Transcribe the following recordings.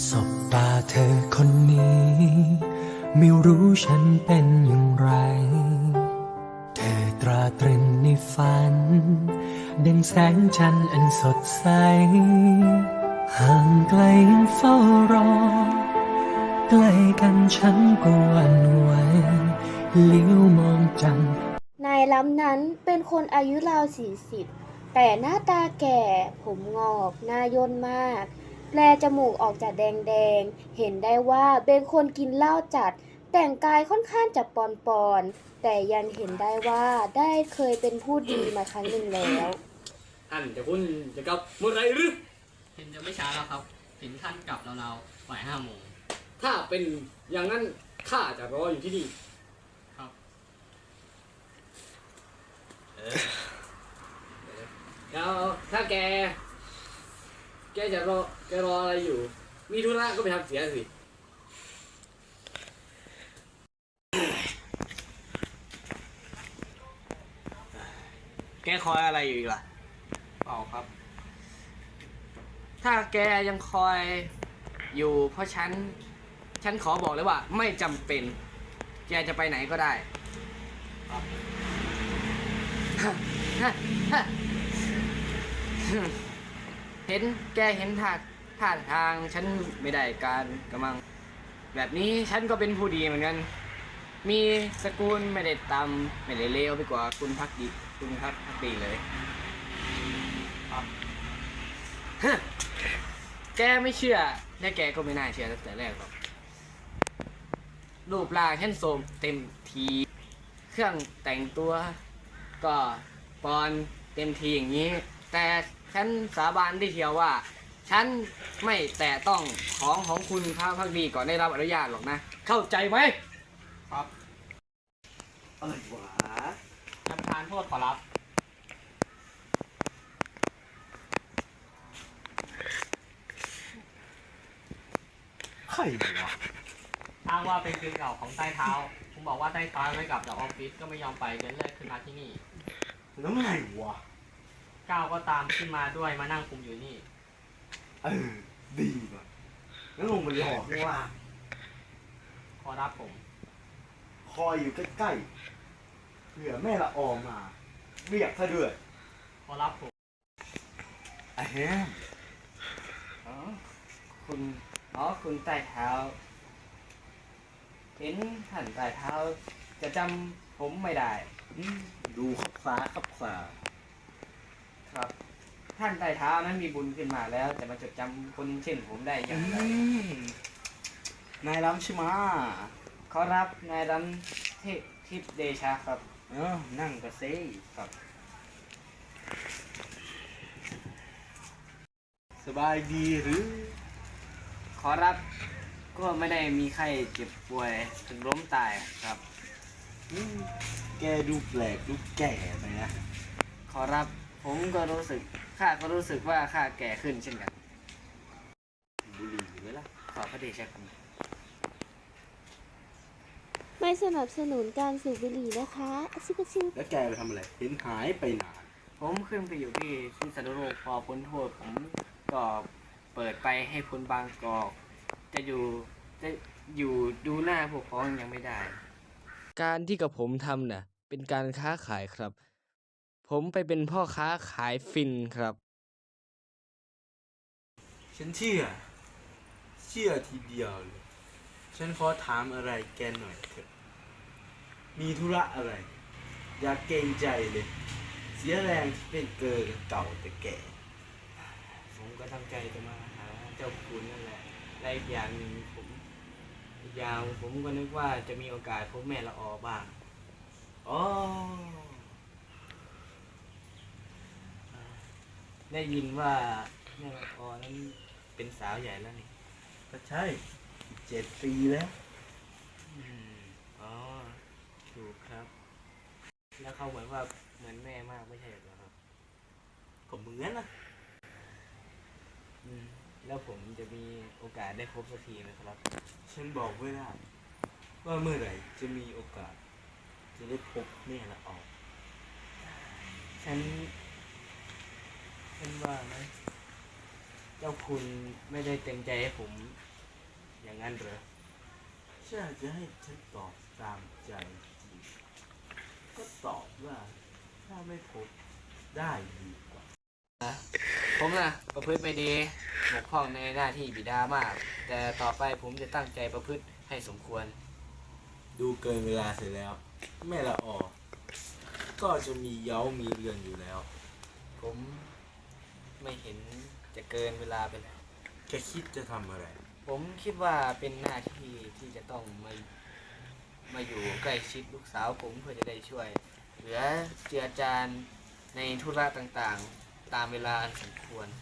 สบตาเธอคนนี้ไม่รู้ฉันเป็นอย่างไรเธอตราตรึงในฝันดังแสงจันทร์อันสดใสห่างไกลยังเฝ้ารอใกล้กันฉันก็หวั่นไหวเลี้ยวมองจันทร์นายล้ำนั้นเป็นคนอายุราว40แต่หน้าตาแก่ผมงอกหน้าย่นมากแปลจมูกออกจากแดงๆเห็นได้ว่าเป็นคนกินเหล้าจัดแต่งกายค่อนข้างจะปอนๆแต่ยังเห็นได้ว่าได้เคยเป็นผู้ดีมาครั้งหนึ่งแล้วท่านจะคุณจะกลับเมื่อไรหรือเห็นจะไม่ช้าแล้วครับเห็นท่านกลับเราๆบ่าย5 โมงถ้าเป็นอย่างนั้นข้าจะรออยู่ที่นี่ครับแล้วถ้าแกจะรออะไรอยู่ มีธุระก็ไปทำเสียสิแกคอยอะไรอยู่อีกล่ะเปล่าครับถ้าแกยังคอยอยู่เพราะฉันขอบอกเลยว่าไม่จำเป็นแกจะไปไหนก็ได้เห็นแกเห็นท่าทางฉันไม่ได้การกำลังแบบนี้ฉันก็เป็นผู้ดีเหมือนกันมีสกุลไม่ได้ต่ำไม่ได้เลวไปกว่าคุณพักดีเลยแกไม่เชื่อและแกก็ไม่น่าเชื่อตั้งแต่แรกหรอกรูปร่างฉันโทรมเต็มทีเครื่องแต่งตัวก็ปอนเต็มทีอย่างนี้ แต่ฉันสาบานได้เทียวว่าฉันไม่แตะต้องของคุณพระพักดีก่อนได้รับอนุญาตหรอกนะเข้าใจไหมครับอะไรวะท่านประธานโทษขอรับใครวะอ้างว่าเป็นคืนเก่าของใต้เท้า ผมบอกว่าใต้เท้าไม่กลับจากออฟฟิศก็ไม่ยอมไปจนเลิกขึ้นมาที่นี่แล้วไงวะก้าวก็ตามขึ้นมาด้วยมานั่งคุมอยู่นี่ดีว่ะงั้นลงไปหลอกข้างล่างขอรับผมคอยอยู่ใกล้ๆเผื่อแม่ละออมาเรียกซะด้วยขอรับผมอะแฮมคุณใต้เท้าเห็นท่านใต้เท้าจะจำผมไม่ได้ดูขับฟ้าขับฟ้าครับ ท่านใต้เท้านั้นมีบุญขึ้นมาแล้วจะมาจดจำคนเช่นผมได้อย่างไรนายล้ำใช่ไหมะขอรับนายรำทิพย์เดชาครับนั่งกระเซ่ครับสบายดีหรือขอรับก็ไม่ได้มีใครเจ็บป่วยถึงล้มตายครับแกดูแปลกดูแก่ไปนะขอรับผมก็รู้สึกข้าก็รู้สึกว่าข้าแก่ขึ้นเช่นกันบุหรี่อยู่ไหมล่ะขอพระเดชะครับไม่สนับสนุนการสูบบุหรี่นะคะชิบะชิบแล้วแกไปทำอะไรเห็นหายไปนานผมขึ้นไปอยู่ที่สันติโลกพอพ้นโทษผมก็เปิดไปให้คนบางกอกจะอยู่ดูหน้าพวกพ้องยังไม่ได้ การที่กับผมทำน่ะเป็นการค้าขายครับ ผมไปเป็นพ่อค้าขายฟินครับฉันเชื่อทีเดียวเลย ฉันขอถามอะไรแกหน่อยเถอะ มีธุระอะไร อย่าเกรงใจเลย เสียแรงที่เป็นเกินเก่าแต่แก่ผมก็ตั้งใจจะมาหาเจ้าคุณนั่นแหละและอีกอย่างหนึ่งผมก็นึกว่าจะมีโอกาสพบแม่ละออบ้างอ๋อได้ยินว่าแม่ละออนั้นเป็นสาวใหญ่แล้วนี่ก็ใช่7 ปีแล้วอ๋อถูกครับ แล้วเขาเหมือนว่าเหมือนแม่มากไม่ใช่เหรอครับก็เหมือนนะแล้วผมจะมีโอกาสได้พบสักทีไหมครับฉันบอกไม่ได้ ว่าเมื่อไหร่จะมีโอกาส จะได้พบแม่ละออกฉันว่านะเจ้าคุณไม่ได้เต็มใจให้ผมอย่างนั้นเหรอถ้าจะให้ฉันตอบตามใจจริงก็ตอบว่าถ้าไม่พบได้ดีกว่าผมนะประพฤติไม่ดีบกพร่องในหน้าที่บิดามาก แต่ต่อไปผมจะตั้งใจประพฤติให้สมควรดูเกินเวลาเสร็จแล้ว แม่ละออก็จะมีเย้ามีเรือนอยู่แล้วผมไม่เห็นจะเกินเวลาไปแล้วแกคิดจะทำอะไรผมคิดว่าเป็นหน้าที่ที่จะต้องมาอยู่ใกล้ชิดลูกสาวผมเพื่อจะได้ช่วย เหลือเจือจานในธุระต่างๆ ตามเวลาอันสมควร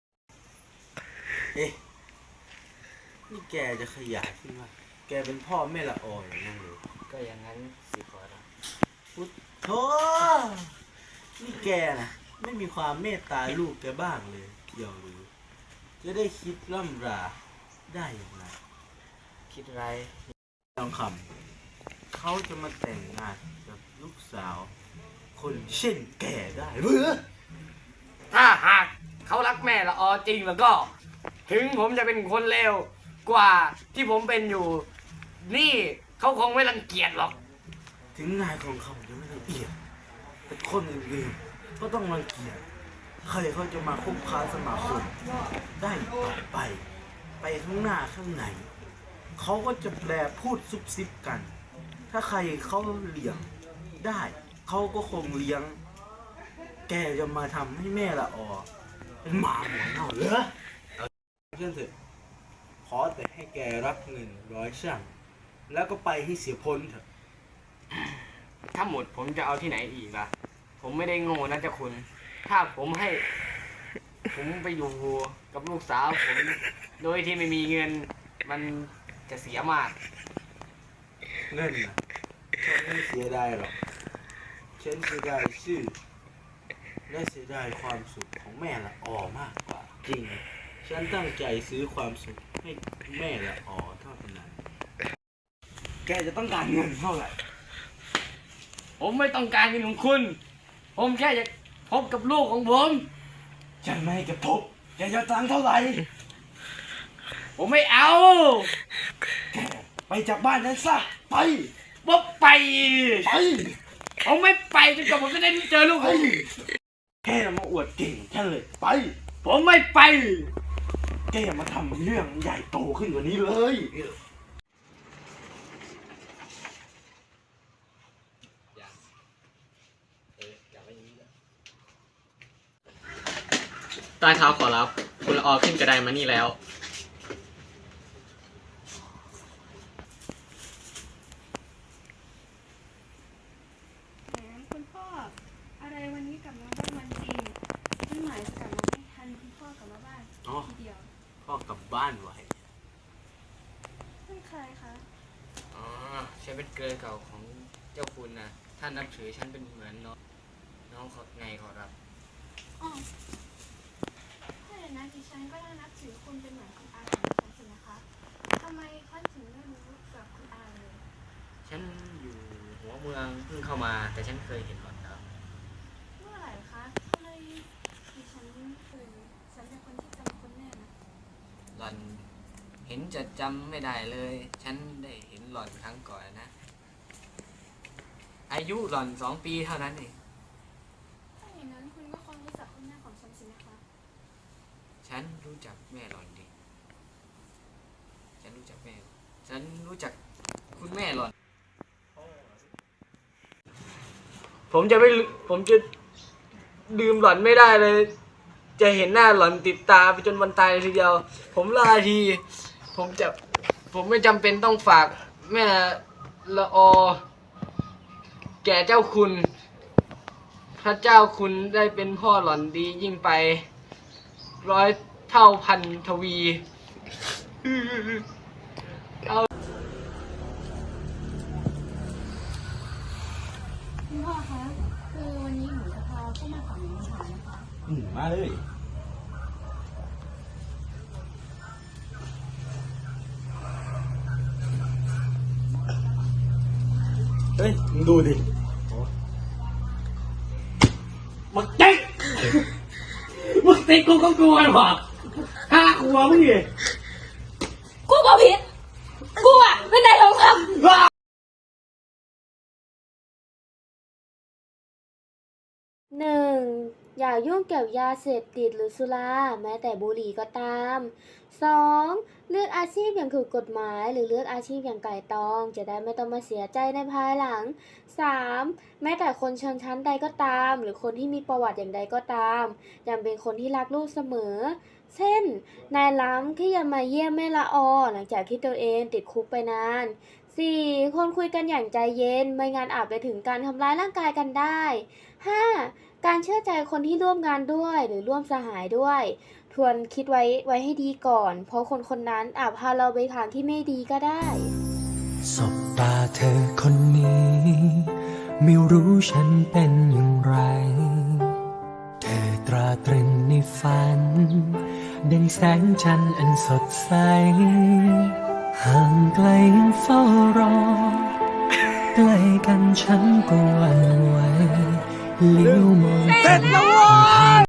เอ๊ะ นี่แกจะขยายขึ้นว่าแกเป็นพ่อแม่ละอออย่างนั้นเลยก็อย่างนั้นสิขอรับพุทโธนี่แกนะไม่มีความเมตตาลูกแกบ้างเลยเกี่ยวหรือ จะได้คิดล่ำราได้อย่างไรคิดไรทองคำเขาจะมาแต่งงานกับลูกสาว คนเช่นแกได้หรือถ้าหากเขารักแม่ละออจริงแล้วก็ ถึงผมจะเป็นคนเลวกว่าที่ผมเป็นอยู่ นี่เขาคงไม่รังเกียจหรอกถึงนายทองคำจะไม่ละเอียดแต่คนอื่นๆก็ต้องรังเกียจใครเขาจะมาคบค้าสมาคมได้ต่อไป ไปข้างหน้าข้างในเขาก็จะแปลพูดซุบซิบกัน ถ้าใครเขาเลี้ยงได้เขาก็คงเลี้ยง แกจะมาทำให้แม่ละออเป็นหมาหัวเน่าเหรอเช่นเถอะขอแต่ให้แกรับเงิน100 ช่างแล้วก็ไปให้เสียพ้นเถอะถ้าหมดผมจะเอาที่ไหนอีกล่ะ ผมไม่ได้โง่นะเจ้าคุณ ถ้าผมให้ ผมไปอยู่กับลูกสาวผม โดยที่ไม่มีเงิน มันจะเสียมากเงินนะฉันไม่เสียดายหรอก ฉันเสียดายชื่อ และเสียดายความสุขของแม่ละออมากกว่า จริง ฉันตั้งใจซื้อความสุขให้แม่ละออเท่านั้น แกจะต้องการเงินเท่าไหร่ผมไม่ต้องการเงินของคุณ ผมแค่จะพบกับลูกของผมฉันไม่ให้แกพบแกจะตังค์เท่าไหร่ผมไม่เอาไปจากบ้านฉันซะ ไปว่าไปไปผมไม่ไปจนกว่าผมจะได้เจอลูกผมแกอย่ามาอวดเก่งฉันเลย ไปผมไม่ไปแกอย่ามาทำเรื่องใหญ่โตขึ้นกว่านี้เลยใต้เท้าขอรับ คุณละออขึ้นกระไดมานี่แล้วแหมคุณพ่อ อะไรวันนี้กลับมาบ้านวันจริงไม่หมายจะกลับมาไม่ทันคุณพ่อกลับมาบ้านอ๋อทีเดียวพ่อกลับบ้านไว้เป็นใครคะอ๋อฉันเป็นเกลือเก่าของเจ้าคุณนะท่านนับถือฉันเป็นเหมือนน้องขอไงขอรับอ๋อถ้าอย่างนั้นดิฉันก็ได้นับถือคุณเป็นเหมือนคุณอาของดิฉันสินะคะทำไมเขาถึงไม่รู้จักคุณอาเลยฉันอยู่หัวเมืองเพิ่งเข้ามา แต่ฉันเคยเห็นหล่อนแล้วเมื่อไหร่คะทำไมดิฉันฉันเป็นคนที่จำคนแน่นะหล่อนเห็นจะจำไม่ได้เลย ฉันได้เห็นหล่อนครั้งก่อนนะ อายุหล่อน2 ปีเท่านั้นเองถ้าอย่างนั้นคุณก็คงรู้จักคุณแม่ของฉันสินะคะฉันรู้จักแม่หล่อนดี ฉันรู้จักแม่ ฉันรู้จักคุณแม่หล่อน ผมจะลืมหล่อนไม่ได้เลย จะเห็นหน้าหล่อนติดตาไปจนวันตายเลยทีเดียว ผมลาที ผมไม่จำเป็นต้องฝากแม่ละออ แก่เจ้าคุณ พระเจ้าคุณได้เป็นพ่อหล่อนดียิ่งไป 100 เท่าพันทวีคุณพ่อคะ คือวันนี้หนูจะพาผู้มาขอหนูมาหานะคะมาเลย เฮ้ย มึงดูดิมึงเจ๊กมึงติดกูก็กลัวหรอ5 ขวบมึงดิกูก็ผิดกูอะเป็นนายทองคำ 1. อย่ายุ่งเกี่ยวยาเสพติดหรือสุราแม้แต่บุหรี่ก็ตาม 2. เลือกอาชีพอย่างถูกกฎหมายหรือเลือกอาชีพอย่างไก่ตองจะได้ไม่ต้องมาเสียใจในภายหลัง 3. แม้แต่คนชนชั้นใดก็ตามหรือคนที่มีประวัติอย่างใดก็ตามยังเป็นคนที่รักลูกเสมอ เช่น นายล้ำที่ยังมาเยี่ยมแม่ละออหลังจากที่ตัวเองติดคุกไปนาน 4. ควรคุยกันอย่างใจเย็นไม่งั้นอาจไปถึงการทำร้ายร่างกายกันได้ 5. การเชื่อใจคนที่ร่วมงานด้วยหรือร่วมสหายด้วยทวนคิดไว้ให้ดีก่อน เพราะคนคนนั้นอาจพาเราไปทางที่ไม่ดีก็ได้สบตาเธอคนนี้ ไม่รู้ฉันเป็นอย่างไร เธอตราตรึงในฝันดังแสงจันทร์อันสดใส ห่างไกลยังเฝ้ารอ ใกล้กันฉันก็หวั่นไหวเลี้ยวมองเสร็จแล้ว